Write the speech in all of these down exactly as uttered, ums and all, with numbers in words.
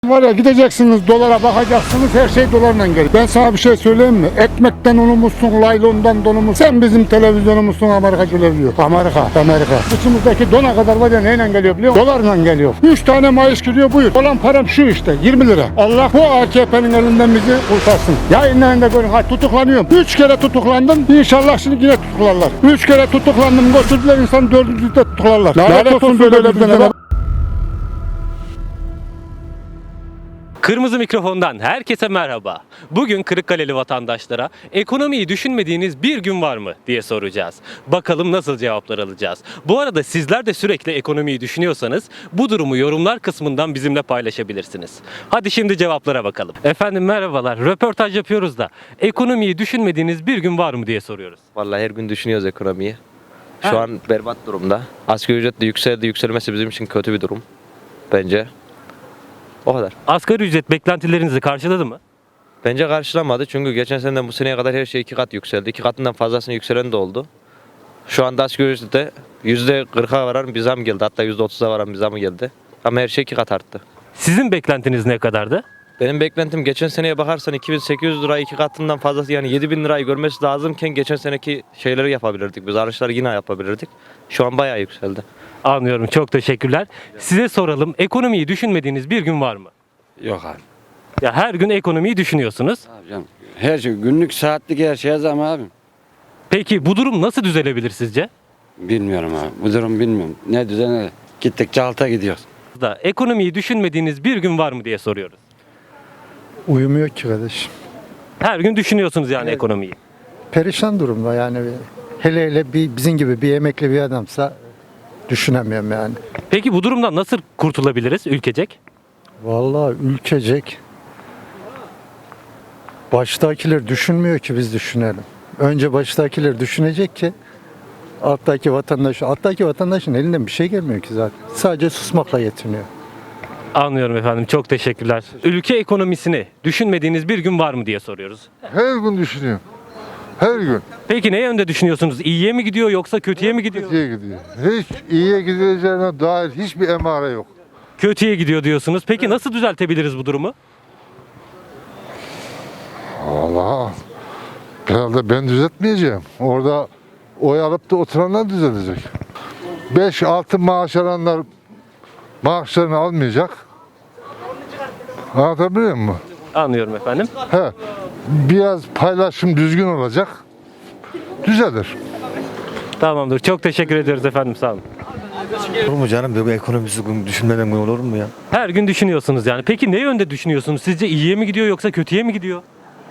Var ya, gideceksiniz dolara bakacaksınız, her şey dolarla geliyor. Ben sana bir şey söyleyeyim mi? Ekmekten unumuzsun, laylondan donumuz. Sen bizim televizyonumuzsun, Amerika geliyor. Amerika, Amerika. İçimizdeki dona kadar var ya, neyle geliyor biliyor musun? Dolarla geliyor. Üç tane maaş giriyor, buyur. Olan param şu işte, yirmi lira. Allah bu A K P'nin elinden bizi kurtarsın. Yayınlarında görün, ha tutuklanıyorum. Üç kere tutuklandım, İnşallah şimdi yine tutuklarlar. Üç kere tutuklandım, götürdüler insan, dördüncü de tutuklarlar. Lanet olsun böyle bizden. Kırmızı Mikrofon'dan herkese merhaba. Bugün Kırıkkaleli vatandaşlara ekonomiyi düşünmediğiniz bir gün var mı diye soracağız. Bakalım nasıl cevaplar alacağız. Bu arada sizler de sürekli ekonomiyi düşünüyorsanız bu durumu yorumlar kısmından bizimle paylaşabilirsiniz. Hadi şimdi cevaplara bakalım. Efendim merhabalar. Röportaj yapıyoruz da ekonomiyi düşünmediğiniz bir gün var mı diye soruyoruz. Vallahi her gün düşünüyoruz ekonomiyi. Şu Ha. an berbat durumda. Asgari ücret de yükseldi. Yükselmesi bizim için kötü bir durum. Bence. O kadar. Asgari ücret beklentilerinizi karşıladı mı? Bence karşılamadı. Çünkü geçen seneden bu seneye kadar her şey iki kat yükseldi. İki katından fazlasını yükselen de oldu. Şu anda asgari ücrette yüzde kırka varan bir zam geldi. Hatta yüzde otuza varan bir zam geldi. Ama her şey iki kat arttı. Sizin beklentiniz ne kadardı? Benim beklentim geçen seneye bakarsan iki bin sekiz yüz lira iki katından fazlası, yani yedi bin lirayı görmesi lazımken geçen seneki şeyleri yapabilirdik. Biz artışları yine yapabilirdik. Şu an bayağı yükseldi. Anlıyorum. Çok teşekkürler. Size soralım. Ekonomiyi düşünmediğiniz bir gün var mı? Yok abi. Ya her gün ekonomiyi düşünüyorsunuz. Abi canım. Her şey günlük saatlik her şeye zam abi. Peki bu durum nasıl düzelebilir sizce? Bilmiyorum abi. Bu durum bilmiyorum. Ne düzene gittikçe alta gidiyoruz. Da ekonomiyi düşünmediğiniz bir gün var mı diye soruyoruz. Uyumuyor ki kardeşim. Her gün düşünüyorsunuz yani ekonomiyi. Perişan durumda yani. Hele hele bir, bizim gibi bir emekli bir adamsa düşünemiyorum yani. Peki bu durumdan nasıl kurtulabiliriz ülkecek? Vallahi ülkecek baştakiler düşünmüyor ki biz düşünelim. Önce baştakiler düşünecek ki alttaki vatandaş, alttaki vatandaşın elinden bir şey gelmiyor ki zaten. Sadece susmakla yetiniyor. Anlıyorum efendim. Çok teşekkürler. Ülke ekonomisini düşünmediğiniz bir gün var mı diye soruyoruz. Her gün düşünüyorum. Her gün Peki ne yönde düşünüyorsunuz? İyiye mi gidiyor yoksa kötüye mi gidiyor? kötüye gidiyor. Hiç iyiye gidileceğine dair hiçbir emare yok. Kötüye gidiyor diyorsunuz. Peki nasıl düzeltebiliriz bu durumu? Allah, herhalde ben düzeltmeyeceğim. Orada oy alıp da oturanlar düzelecek. beş altı maaş alanlar maaşlarını almayacak. Anlatabiliyor muyum? Anlıyorum efendim. He, biraz paylaşım düzgün olacak. Düzelir. Tamamdır. Çok teşekkür ediyoruz efendim. Sağ olun. Olur mu canım? Bu ekonomisi düşünmeden gün olur mu ya? Her gün düşünüyorsunuz yani. Peki ne yönde düşünüyorsunuz? Sizce iyiye mi gidiyor yoksa kötüye mi gidiyor?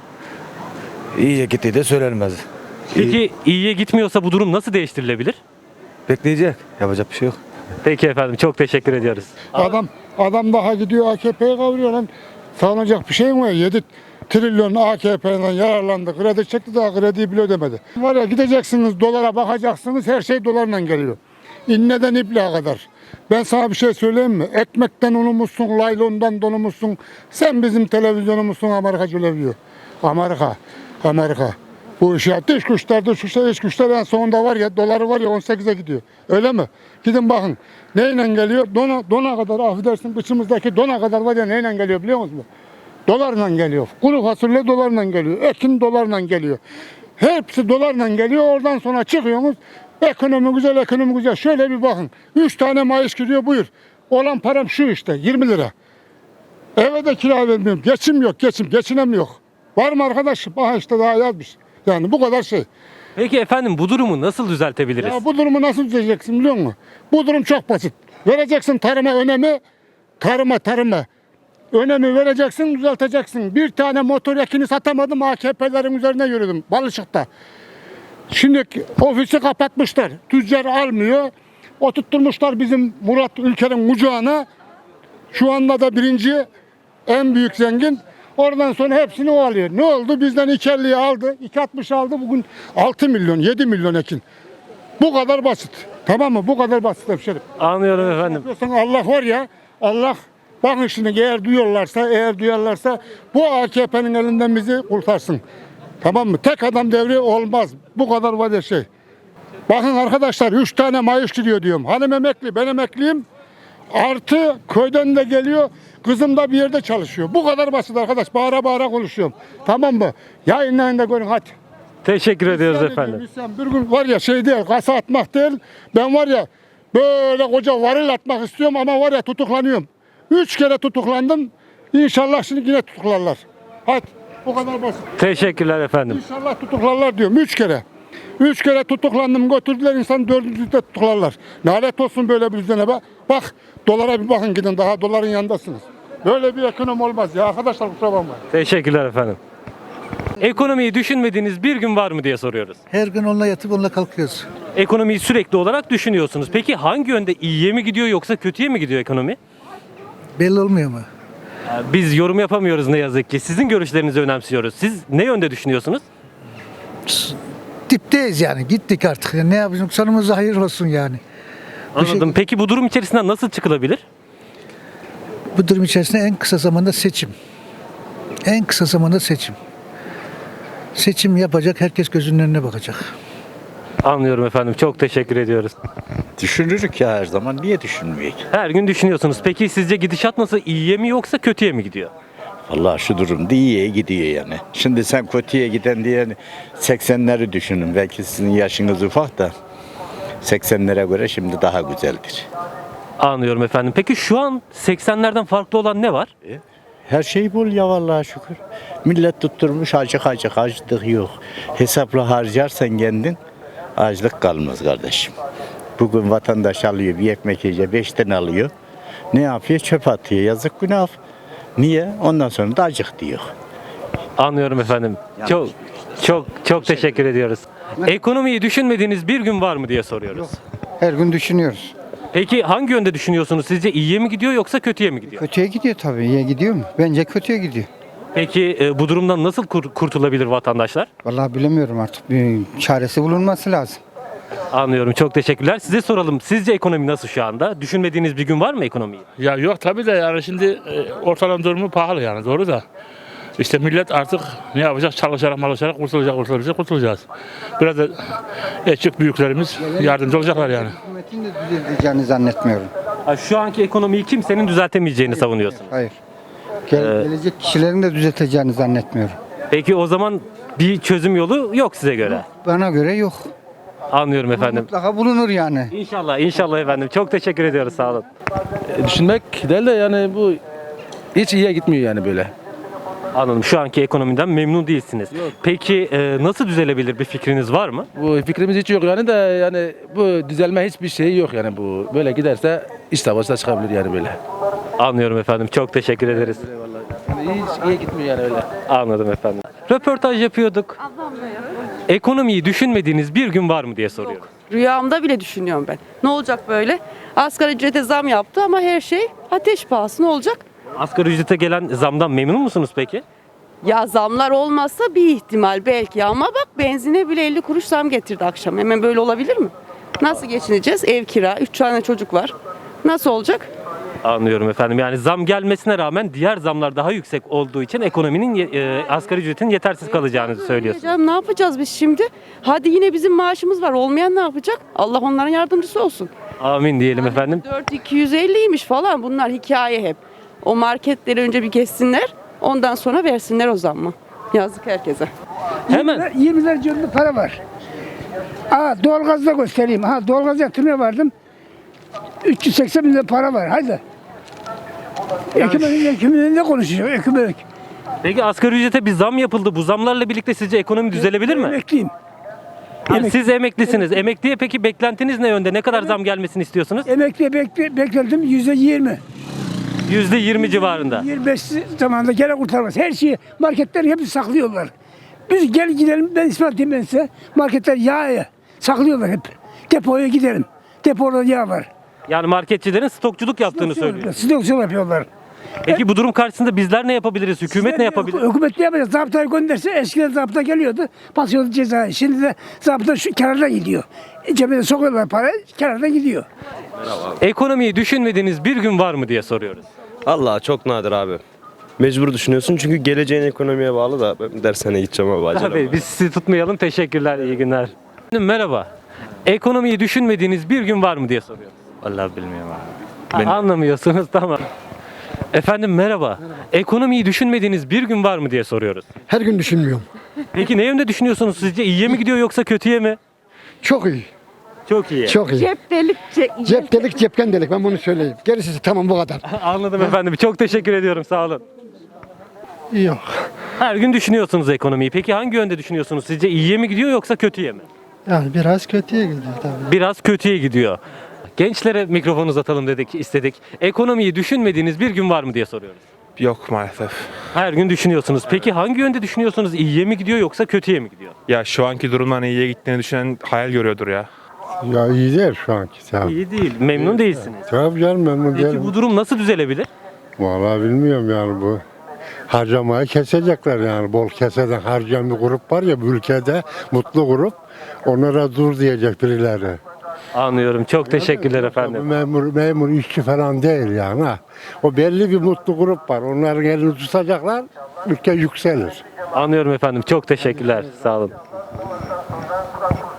İyiye gittiği de söylenmez. Peki iyiye gitmiyorsa bu durum nasıl değiştirilebilir? Bekleyecek. Yapacak bir şey yok. Peki efendim. Çok teşekkür ediyoruz. Adam adam daha gidiyor A K P'ye kavuruyor lan. Sağlanacak bir şey mi var? yedi trilyon A K P'den yararlandı. Kredi çekti, daha krediyi bile ödemedi. Var ya, gideceksiniz dolara bakacaksınız, her şey dolarla geliyor. İnneden ipliğe kadar. Ben sana bir şey söyleyeyim mi? Ekmekten unumuzsun, laylondan donumuzsun. Sen bizim televizyonumuzsun, Amerika geliyor. Amerika, Amerika. Bu iş ya, dış güçler, dış güçler, iç güçler en sonunda var ya, doları var ya on sekize gidiyor. Öyle mi? Gidin bakın. Neyle geliyor? Dona, dona kadar, affedersin, içimizdeki dona kadar var ya, neyle geliyor biliyor musunuz? Dolarla geliyor. Kuru fasulye dolarla geliyor. Ekin dolarla geliyor. Hepsi dolarla geliyor. Oradan sonra çıkıyorsunuz. Ekonomi güzel, ekonomi güzel. Şöyle bir bakın. Üç tane maaş giriyor, buyur. Olan param şu işte, yirmi lira. Eve de kira vermiyorum. Geçim yok, geçim. Geçinem yok. Var mı arkadaş? Aha işte daha yazmış. Yani bu kadar şey. Peki efendim bu durumu nasıl düzeltebiliriz? Ya bu durumu nasıl düzeleceksin biliyor musun? Bu durum çok basit. Vereceksin tarıma önemi, tarıma tarıma. Önemi vereceksin, düzelteceksin. Bir tane motor yakini satamadım, A K P'lerin üzerine yürüdüm Balışık'ta. Şimdi ofisi kapatmışlar, tüccar almıyor. Oturtturmuşlar bizim Murat Ülker'in kucağına. Şu anda da birinci, en büyük zengin. Oradan sonra hepsini o alıyor. Ne oldu? Bizden iki elliyi aldı, iki altmış aldı. Bugün altı milyon, yedi milyon ekin. Bu kadar basit. Tamam mı? Bu kadar basit hemşerim. Anlıyorum efendim. Yapıyorsan Allah var ya, Allah, bakın şimdi, eğer duyuyorlarsa, eğer duyarlarsa bu A K P'nin elinden bizi kurtarsın. Tamam mı? Tek adam devri olmaz. Bu kadar var ya şey. Bakın arkadaşlar, üç tane maaş giriyor diyorum. Hanım emekli, ben emekliyim. Artı köyden de geliyor. Kızım da bir yerde çalışıyor. Bu kadar basit arkadaş. Bağıra bağıra konuşuyorum. Tamam mı? Yayınlayın da görün hadi. Teşekkür ediyoruz İsyan efendim. ediyorum, isyan. Bir gün var ya şey değil, kasa atmak değil. Ben var ya böyle koca varil atmak istiyorum ama var ya tutuklanıyorum. Üç kere tutuklandım. İnşallah şimdi yine tutuklarlar. Hadi bu kadar basit. Teşekkürler efendim. İnşallah tutuklarlar diyorum. Üç kere. Üç kere tutuklandım götürdüler insan dördüncü de tutuklarlar. Lanet olsun böyle bir düzene bak. Bak dolara bir bakın gidin daha doların yanındasınız. Böyle bir ekonomi olmaz ya arkadaşlar kusura bakmayın. Teşekkürler efendim. Ekonomiyi düşünmediğiniz bir gün var mı diye soruyoruz. Her gün onunla yatıp onunla kalkıyoruz. Ekonomiyi sürekli olarak düşünüyorsunuz. Peki hangi yönde, iyiye mi gidiyor yoksa kötüye mi gidiyor ekonomi? Belli olmuyor mu? Biz yorum yapamıyoruz ne yazık ki. Sizin görüşlerinizi önemsiyoruz. Siz ne yönde düşünüyorsunuz? Dipteyiz yani. Gittik artık. Ne yapacağız? Sonumuz hayır olsun yani. Anladım. Peki bu durum içerisinden nasıl çıkılabilir? Bu durum içerisinde en kısa zamanda seçim. En kısa zamanda seçim. Seçim yapacak. Herkes gözünün önüne bakacak. Anlıyorum efendim. Çok teşekkür ediyoruz. Düşünürük ya her zaman. Niye düşünmeyek? Her gün düşünüyorsunuz. Peki sizce gidişat nasıl? İyiye mi yoksa kötüye mi gidiyor? Vallahi şu durumda iyiye gidiyor yani. Şimdi sen kötüye giden diye seksenleri düşünün. Belki sizin yaşınız ufak da seksenlere göre şimdi daha güzeldir. Anlıyorum efendim. Peki şu an seksenlerden farklı olan ne var? Her şey bol ya vallahi şükür. Millet tutturmuş acık acık açlık yok. Hesapla harcarsan kendin açlık kalmaz kardeşim. Bugün vatandaş alıyor bir ekmek yiyecek beş tane alıyor. Ne yapıyor? Çöp atıyor. Yazık günah. Niye? Ondan sonra da acık diyor. Anlıyorum efendim. Çok çok çok teşekkür ediyoruz. Ekonomiyi düşünmediğiniz bir gün var mı diye soruyoruz. Her gün düşünüyoruz. Peki hangi yönde düşünüyorsunuz? Sizce iyiye mi gidiyor yoksa kötüye mi gidiyor? Kötüye gidiyor tabii. İyiye gidiyor mu? Bence kötüye gidiyor. Peki e, bu durumdan nasıl kur- kurtulabilir vatandaşlar? Vallahi bilemiyorum artık. Bir çaresi bulunması lazım. Anlıyorum. Çok teşekkürler. Size soralım. Sizce ekonomi nasıl şu anda? Düşünmediğiniz bir gün var mı ekonomiyi? Ya yok tabii de yani şimdi e, ortalama durumu pahalı yani doğru da. İşte millet artık ne yapacak? Çalışarak malışarak kurtulacak, kurtulacak, kurtulacağız. Biraz da küçük büyüklerimiz yardımcı olacaklar yani. Hükümetin de düzelteceğini zannetmiyorum. Ha, şu anki ekonomiyi kimsenin düzeltemeyeceğini savunuyorsunuz. Hayır. Gel, gelecek kişilerin de düzelteceğini zannetmiyorum. Peki o zaman bir çözüm yolu yok size göre. Bana göre yok. Anlıyorum efendim. Mutlaka bulunur yani. İnşallah, inşallah efendim. Çok teşekkür ediyoruz. Sağ olun. Düşünmek değil de yani bu hiç iyiye gitmiyor yani böyle. Anladım. Şu anki ekonomiden memnun değilsiniz. Peki e, nasıl düzelebilir bir fikriniz var mı? Bu fikrimiz hiç yok yani de yani bu düzelme hiçbir şey yok yani bu. Böyle giderse iç savaşta çıkabilir yani böyle. Anlıyorum efendim. Çok teşekkür ederiz. Yani hiç iyiye gitmiyor yani öyle. Anladım efendim. Röportaj yapıyorduk. Ekonomiyi düşünmediğiniz bir gün var mı diye soruyorum. Rüyamda bile düşünüyorum ben. Ne olacak böyle? Asgari ücrete zam yaptı ama her şey ateş pahası. Ne olacak? Asgari ücrete gelen zamdan memnun musunuz peki? Ya zamlar olmazsa bir ihtimal belki ama bak benzine bile elli kuruş zam getirdi akşam. Hemen böyle olabilir mi? Nasıl geçineceğiz? Ev kira, üç tane çocuk var. Nasıl olacak? Anlıyorum efendim. Yani zam gelmesine rağmen diğer zamlar daha yüksek olduğu için ekonominin ye- e, asgari ücretin yetersiz kalacağını söylüyorsunuz. Canım, ne yapacağız biz şimdi? Hadi yine bizim maaşımız var. Olmayan ne yapacak? Allah onların yardımcısı olsun. Amin diyelim efendim. dört bin iki yüz elliymiş falan, bunlar hikaye hep. O marketleri önce bir geçsinler, ondan sonra versinler o zammı. Yazık herkese. Hemen. yirmi civarında para var. Aa, doğalgazda göstereyim. Ha, doğalgaz yatırmaya vardım. üç yüz seksen bin lira para var. Haydi. Hükümetin hükümetin ne konuşacak? Hükümet. Peki asgari ücrete bir zam yapıldı. Bu zamlarla birlikte sizce ekonomi düzelebilir mi? Emekliyim. Yani siz emeklisiniz. Emekliye peki beklentiniz ne yönde? Ne kadar zam gelmesini istiyorsunuz? Emekliye bekle, bekledim yüzde yirmi. yüzde yirmi civarında. yirmi beş zamanında gene kurtarmaz. Her şeyi marketler hepsi saklıyorlar. Biz gel gidelim, ben ispat edeyim ben size. Marketler yağı saklıyorlar hep. Depoya gidelim. Depoda yağ var. Yani marketçilerin stokçuluk yaptığını söylüyor. Stokçuluk yapıyorlar. Peki bu durum karşısında bizler ne yapabiliriz? Hükümet ne yapabilir? Hükümet ne yapacak? Zabıtayı gönderse eskiden zabıta geliyordu. Basıyordu cezayı. Şimdi de zabıta şu kenarda gidiyor. Cebine sokuyorlar para, kenarda gidiyor. Ekonomiyi düşünmediğiniz bir gün var mı diye soruyoruz. Allah çok nadir abi. Mecbur düşünüyorsun çünkü geleceğin ekonomiye bağlı da ben dershaneye gideceğim abi acele. Tabii biz sizi tutmayalım. Teşekkürler. İyi günler. Merhaba. Ekonomiyi düşünmediğiniz bir gün var mı diye soruyoruz. Vallahi bilmiyorum abi. Ha, Anlamıyorsunuz, tamam. Efendim merhaba. Ekonomiyi düşünmediğiniz bir gün var mı diye soruyoruz. Her gün düşünmüyorum. Peki ne yönde düşünüyorsunuz sizce? İyiye mi gidiyor yoksa kötüye mi? Çok iyi. Çok iyi. Çok iyi. Cep delik, ce- Cep delik cepken delik ben bunu söyleyeyim. Gerisi tamam bu kadar. Anladım efendim. Çok teşekkür ediyorum. Sağ olun. Yok. Her gün düşünüyorsunuz ekonomiyi. Peki hangi yönde düşünüyorsunuz? Sizce iyiye mi gidiyor yoksa kötüye mi? Yani biraz kötüye gidiyor tabii. Biraz kötüye gidiyor. Gençlere mikrofon uzatalım dedik, istedik. Ekonomiyi düşünmediğiniz bir gün var mı diye soruyoruz. Yok maalesef. Her gün düşünüyorsunuz. Peki hangi yönde düşünüyorsunuz? İyiye mi gidiyor yoksa kötüye mi gidiyor? Ya şu anki durumdan iyiye gittiğini düşünen hayal görüyordur ya. Ya iyi değil şu anki. Tabii, İyi değil. Memnun değilsiniz. tabii canım memnun Peki değilim. bu durum nasıl düzelebilir? Vallahi bilmiyorum yani bu. Harcamayı kesecekler yani. Bol keseden harcayan bir grup var ya bu ülkede. Mutlu grup. Onlara dur diyecek birileri. Anlıyorum. Çok teşekkürler Bu efendim. memur, memur işçi falan değil yani ha. O belli bir mutlu grup var. Onların elini tutacaklar. Ülke yükselir. Anlıyorum efendim. Çok teşekkürler. Sağ olun.